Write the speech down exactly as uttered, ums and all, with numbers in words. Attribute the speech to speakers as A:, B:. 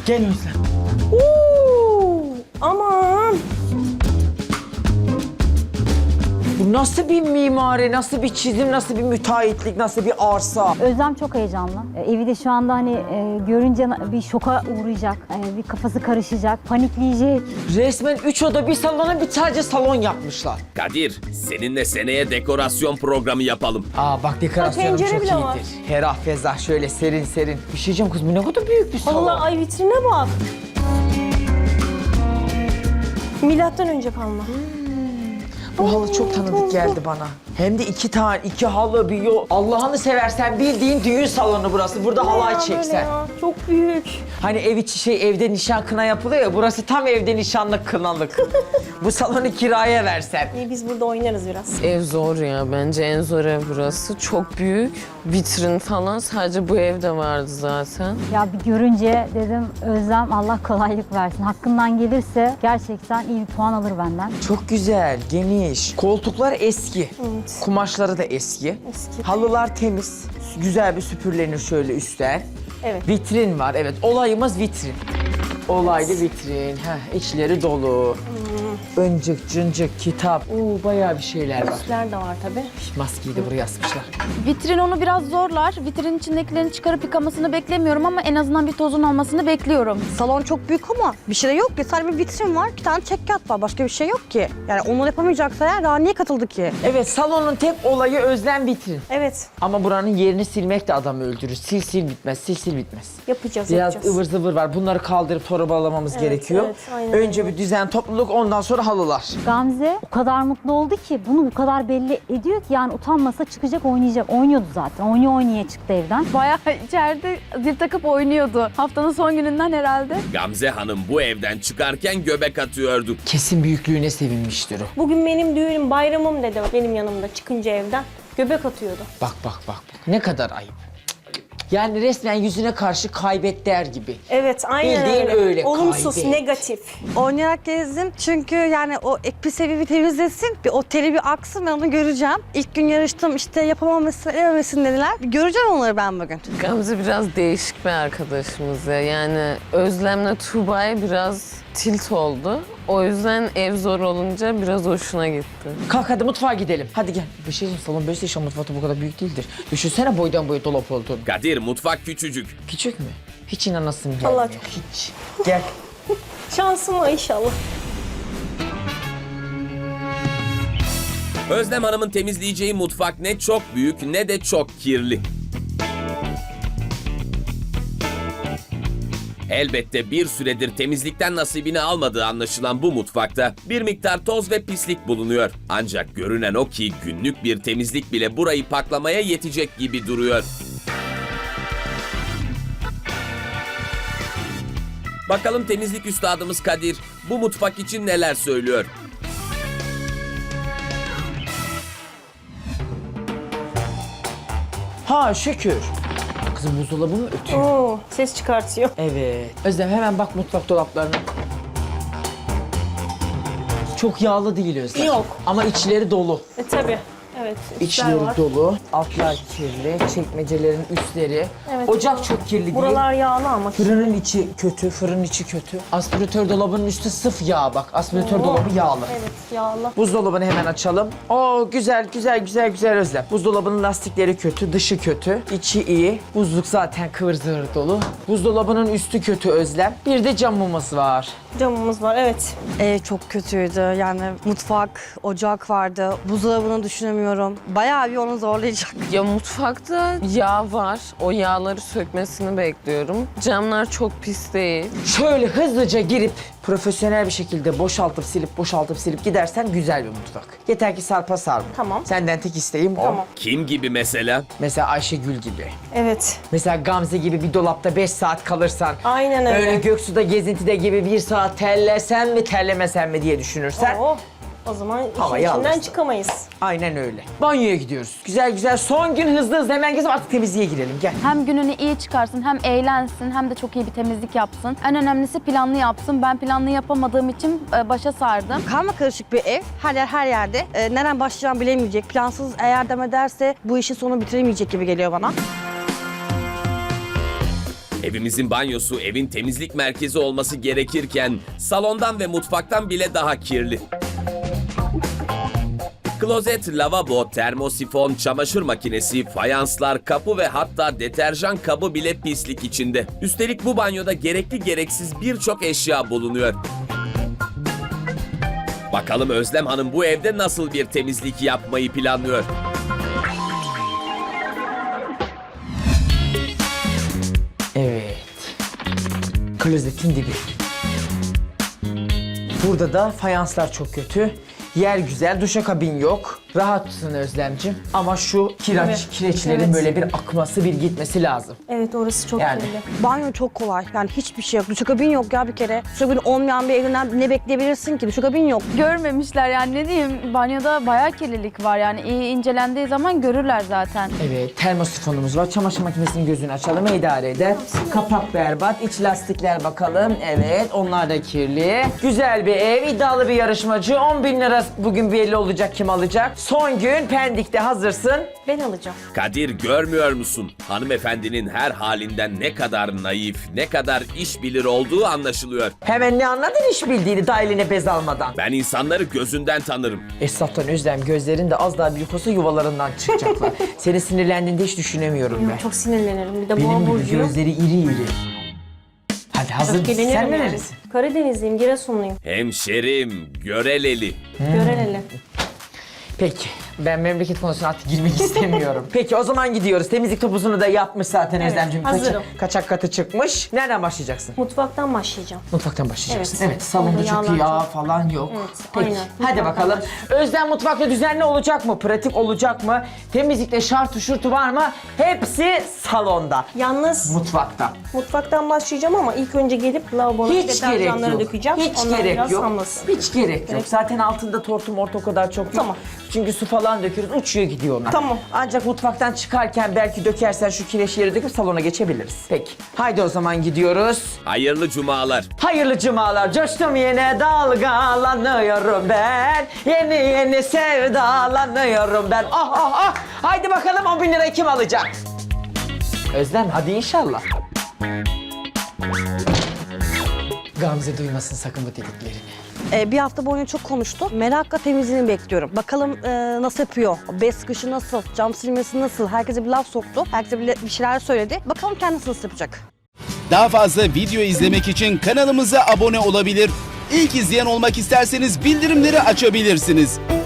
A: Gel Özlem.
B: Uuu, aman.
A: Bu nasıl bir mimari, nasıl bir çizim, nasıl bir müteahhitlik, nasıl bir arsa?
C: Özlem çok heyecanlı. E, evi de şu anda hani e, görünce na- bir şoka uğrayacak. E, bir kafası karışacak, panikleyecek.
A: Resmen üç oda bir salona bir sadece salon yapmışlar.
D: Kadir, seninle seneye dekorasyon programı yapalım.
A: Aa bak dekorasyonum
B: Ha,
A: çok
B: pencere bile var.
A: iyidir. Ferah fezah şöyle serin serin. Bir şey diyeceğim kız bu ne kadar büyük bir salon.
B: Allah ay vitrine bak. Milattan önce kalma.
A: Bu halı çok tanıdık geldi bana. Hem de iki tane, iki halı, bir yol. Allah'ını seversen bildiğin düğün salonu burası. Burada halay
B: Ya böyle
A: çeksen.
B: ya, çok büyük.
A: Hani ev içi şey evde nişan kına yapılıyor ya. Burası tam evde nişanlık kınalık. Bu salonu kiraya versen.
B: İyi biz burada oynarız biraz.
E: Ev zor ya. Bence en zor ev burası. Çok büyük. Vitrin falan sadece bu evde vardı zaten.
C: Ya bir görünce dedim Özlem Allah kolaylık versin. Hakkından gelirse gerçekten iyi bir puan alır benden.
A: Çok güzel, geniş. Koltuklar eski.
B: Evet.
A: Kumaşları da eski.
B: Eski.
A: Halılar temiz. Güzel bir süpürlenir şöyle üstten.
B: Evet.
A: Vitrin var. Evet, olayımız vitrin. Olaylı vitrin. Heh, içleri dolu. Öncük, cıncık, kitap. Oo, bayağı bir şeyler var.
B: Üstler de var tabii.
A: Maskeyi de buraya asmışlar.
F: Vitrin onu biraz zorlar. Vitrinin içindekilerini çıkarıp yıkamasını beklemiyorum ama en azından bir tozun olmasını bekliyorum.
G: Salon çok büyük ama bir şey de yok ki. Sadece bir vitrin var, bir tane çekyat var. Başka bir şey yok ki. Yani onu yapamayacaksa eğer daha niye katıldı ki?
A: Evet, salonun tek olayı özlem vitrin.
B: Evet.
A: Ama buranın yerini silmek de adamı öldürür. Sil sil bitmez, sil sil bitmez.
B: Yapacağız,
A: Biraz
B: yapacağız.
A: ıvır zıvır var. Bunları kaldırıp torbalamamız
B: Evet,
A: gerekiyor.
B: evet, aynen
A: Önce
B: öyle.
A: bir düzen, topluluk, ondan sonra halılar.
C: Gamze o kadar mutlu oldu ki bunu bu kadar belli ediyor ki yani utanmasa çıkacak oynayacak. Oynuyordu zaten. Oynuyor oynaya çıktı evden.
F: Bayağı içeride zil takıp oynuyordu. Haftanın son gününden herhalde.
D: Gamze Hanım bu evden çıkarken göbek atıyordu.
A: Kesin büyüklüğüne sevinmiştir o.
B: Bugün benim düğünüm, bayramım dedi benim yanımda çıkınca evden. Göbek atıyordu.
A: Bak bak bak. bak. Ne kadar ayıp. Yani resmen yüzüne karşı kaybet der gibi.
B: Evet, aynen
A: Bildiğin
B: öyle.
A: öyle,
B: Olumsuz,
A: kaybet.
B: negatif.
G: Oynayarak gezdim çünkü yani o ek bir seviye bir temizlesin, bir o teli bir aksın ben onu göreceğim. İlk gün yarıştım işte yapamamışsın, edememişsin dediler. Bir göreceğim onları ben bugün.
E: Gamze biraz değişik bir arkadaşımız ya. Yani Özlem'le Tuğba'ya biraz tilt oldu. O yüzden ev zor olunca biraz hoşuna gitti.
A: Kalk hadi mutfağa gidelim. Hadi gel. Bir şey diyeyim, salon böyleyse inşallah mutfakta bu kadar büyük değildir. Düşünsene boydan boya dolap olduğunu.
D: Kadir, mutfak küçücük.
A: Küçük mü? Hiç inanasım gelmiyor.
B: Allah çok-
A: Hiç. Gel.
B: Şansıma inşallah.
D: Özlem Hanım'ın temizleyeceği mutfak ne çok büyük ne de çok kirli. Elbette bir süredir temizlikten nasibini almadığı anlaşılan bu mutfakta bir miktar toz ve pislik bulunuyor. Ancak görünen o ki günlük bir temizlik bile burayı paklamaya yetecek gibi duruyor. Bakalım temizlik üstadımız Kadir bu mutfak için neler söylüyor?
A: Ha şükür. Kızım buzdolabı mı ötüyor?
B: Oo, ses çıkartıyor.
A: Evet. Özlem hemen bak mutfak dolaplarına. Çok yağlı değil Özlem.
B: Yok.
A: Ama içleri dolu.
B: E tabii. Evet, üstler
A: İçleri
B: var.
A: dolu. Altlar kirli. Çekmecelerin üstleri.
B: Evet.
A: Ocak çok kirli değil.
B: Buralar yağlı ama.
A: Fırının içi kötü, fırın içi kötü. Aspiratör dolabının üstü sıf yağ bak. Aspiratör
B: Oo.
A: dolabı yağlı.
B: Evet, yağlı.
A: Buzdolabını hemen açalım. Oo güzel güzel güzel güzel Özlem. Buzdolabının lastikleri kötü, dışı kötü, içi iyi. Buzluk zaten kıvır zıvır dolu. Buzdolabının üstü kötü Özlem. Bir de camımız var.
B: Camımız var, evet.
G: Ev çok kötüydü yani mutfak, ocak vardı. Buzdolabını düşünemiyorum. Bayağı bir onu zorlayacak.
E: Ya mutfakta yağ var. O yağları sökmesini bekliyorum. Camlar çok pis değil.
A: Şöyle hızlıca girip profesyonel bir şekilde boşaltıp silip boşaltıp silip gidersen güzel bir mutfak. Yeter ki sarpa sarma.
B: Tamam.
A: Senden tek isteğim o.
B: Tamam.
D: Kim gibi mesela?
A: Mesela Ayşegül gibi.
B: Evet.
A: Mesela Gamze gibi bir dolapta beş saat kalırsan.
B: Aynen öyle.
A: Öyle Göksu'da gezintide gibi bir saat terlesen mi terlemesen mi diye düşünürsen.
B: Oo, o zaman işin
A: Havayı
B: içinden
A: alırsın.
B: çıkamayız.
A: Aynen öyle. Banyoya gidiyoruz. Güzel güzel son gün hızlı hızlı hemen gezip artık temizliğe girelim. Gel.
F: Hem gününü iyi çıkarsın, hem eğlensin, hem de çok iyi bir temizlik yapsın. En önemlisi planlı yapsın. Ben planlı yapamadığım için e, başa sardım.
G: Karma karışık bir ev. Her yer her yerde. Ee, nereden başlayacağımı bilemeyecek. Plansız eğer dem ederse bu işin sonu bitiremeyecek gibi geliyor bana.
D: Evimizin banyosu evin temizlik merkezi olması gerekirken salondan ve mutfaktan bile daha kirli. Klozet, lavabo, termosifon, çamaşır makinesi, fayanslar, kapı ve hatta deterjan kabı bile pislik içinde. Üstelik bu banyoda gerekli gereksiz birçok eşya bulunuyor. Bakalım Özlem Hanım bu evde nasıl bir temizlik yapmayı planlıyor?
A: Evet. Klozetin dibi. Burada da fayanslar çok kötü. Yer güzel, duşakabin yok. Rahatsın Özlemciğim. Ama şu kireç,
B: Evet.
A: kireçlerin
B: Evet.
A: böyle bir akması, bir gitmesi lazım.
B: Evet, orası çok
A: Yani.
B: kirli.
G: Banyo çok kolay. Yani hiçbir şey yok. Duşakabin yok ya bir kere. Duşakabin olmayan bir evinden ne bekleyebilirsin ki? Duşakabin yok.
F: Görmemişler yani, ne diyeyim, banyoda bayağı kirlilik var yani, iyi incelendiği zaman görürler zaten.
A: Evet, termosifonumuz var. Çamaşır makinesinin gözünü açalım, idare eder. Kapak berbat, iç lastikler bakalım. Evet, onlar da kirli. Güzel bir ev, iddialı bir yarışmacı. on bin lira bugün belli olacak kim alacak. Son gün Pendik'te hazırsın.
B: Ben alacağım.
D: Kadir görmüyor musun? Hanımefendinin her halinden ne kadar naif, ne kadar iş bilir olduğu anlaşılıyor.
A: Hemen ne anladın iş bildiğini daha eline bez almadan.
D: Ben insanları gözünden tanırım.
A: Esnaftan Özlem, gözlerin de az daha büyük olsa yuvalarından çıkacaklar. Seni sinirlendiğinde hiç düşünemiyorum ben.
B: Çok sinirlenirim. Bir de boğa
A: Benim gibi
B: burcuyum.
A: gözleri iri iri. Hadi hazır mısın?
B: Öfkelenirim
A: Sen
B: yani.
A: nerelisin?
B: Karadenizliyim, Giresunluyum.
D: Hemşerim, göreleli.
B: Göreleli.
A: Peki. Ben memleket konusuna artık girmek istemiyorum. Peki o zaman gidiyoruz. Temizlik topuzunu da yapmış zaten
B: Evet,
A: Özlemciğim.
B: hazırım.
A: Kaçak, kaçak katı çıkmış. Nereden başlayacaksın?
B: Mutfaktan başlayacağım.
A: Mutfaktan başlayacaksın. Evet,
B: Evet.
A: salonda
B: Orada
A: çok
B: yağlar
A: yağ
B: çok.
A: falan yok.
B: Evet,
A: Peki.
B: aynen.
A: Hadi
B: Mutfaktan
A: bakalım. Özlem mutfakta düzenli olacak mı? Pratik olacak mı? Temizlikte şartı şurtu var mı? Hepsi salonda.
B: Yalnız
A: Mutfakta.
B: mutfaktan başlayacağım ama ilk önce gelip lavaboları,
A: Hiç gerek
B: deterjanları
A: yok.
B: dökeceğim.
A: Hiç
B: Onlar
A: gerek
B: biraz
A: yok.
B: hamlasın.
A: Hiç gerek yok. Zaten altında tortu mortu o kadar çok yok.
B: Tamam.
A: Çünkü su falan döküyoruz. Uçuyor gidiyor onlar.
B: Tamam.
A: Ancak mutfaktan çıkarken belki dökersen şu kireçleri döküp salona geçebiliriz. Peki. Haydi o zaman gidiyoruz.
D: Hayırlı cumalar.
A: Hayırlı cumalar. Coştum yine dalgalanıyorum ben. Yeni yeni sevdalanıyorum ben. Ah ah ah. Haydi bakalım on bin lirayı kim alacak? Özlem hadi inşallah. Gamze duymasın sakın bu dediklerini.
G: Ee, bir hafta boyunca çok konuştu. Merakla temizliğini bekliyorum. Bakalım e, nasıl yapıyor? Bez sıkışı nasıl? Cam silmesi nasıl? Herkese bir laf soktu. Herkese bir, bir şeyler söyledi. Bakalım kendisi nasıl yapacak?
H: Daha fazla video izlemek için kanalımıza abone olabilir. İlk izleyen olmak isterseniz bildirimleri açabilirsiniz.